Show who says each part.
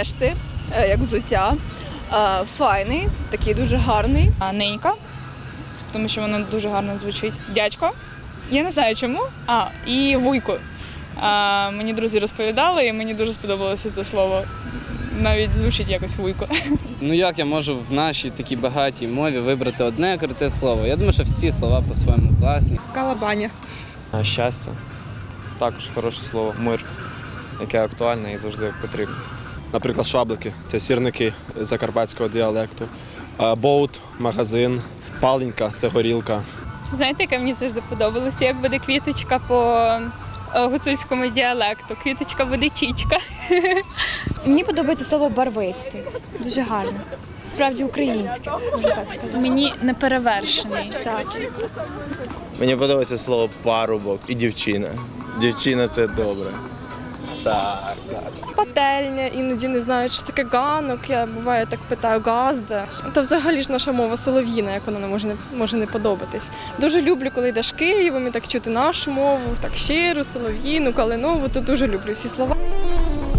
Speaker 1: Решти, як взуття. Файний, такий дуже гарний.
Speaker 2: Ненька, тому що воно дуже гарно звучить. Дядько, я не знаю чому. І вуйко. Мені друзі розповідали, і мені дуже сподобалося це слово. Навіть звучить якось вуйко.
Speaker 3: Ну як я можу в нашій такій багатій мові вибрати одне круте слово? Я думаю, що всі слова по-своєму класні.
Speaker 4: Калабаня.
Speaker 5: Щастя. Також хороше слово. Мир, яке актуальне і завжди потрібно.
Speaker 6: Наприклад, шаблики – це сірники закарпатського діалекту. Боут – магазин. Паленька – це горілка.
Speaker 7: Знаєте, яке мені завжди подобалося? Як буде квіточка по гуцульському діалекту. Квіточка буде чічка.
Speaker 8: Мені подобається слово барвистий. Дуже гарне. Справді українське, можна так сказати.
Speaker 2: Мені неперевершений.
Speaker 8: Так.
Speaker 9: Мені подобається слово парубок і дівчина. Дівчина – це добре. Так.
Speaker 4: Пательня, іноді не знаю, що таке ганок. Я буває так питаю газда. Та взагалі ж наша мова солов'їна, як вона не може не подобатись. Дуже люблю, коли йдеш Києвом і так чути нашу мову, так щиру, солов'їну, калинову, то дуже люблю всі слова.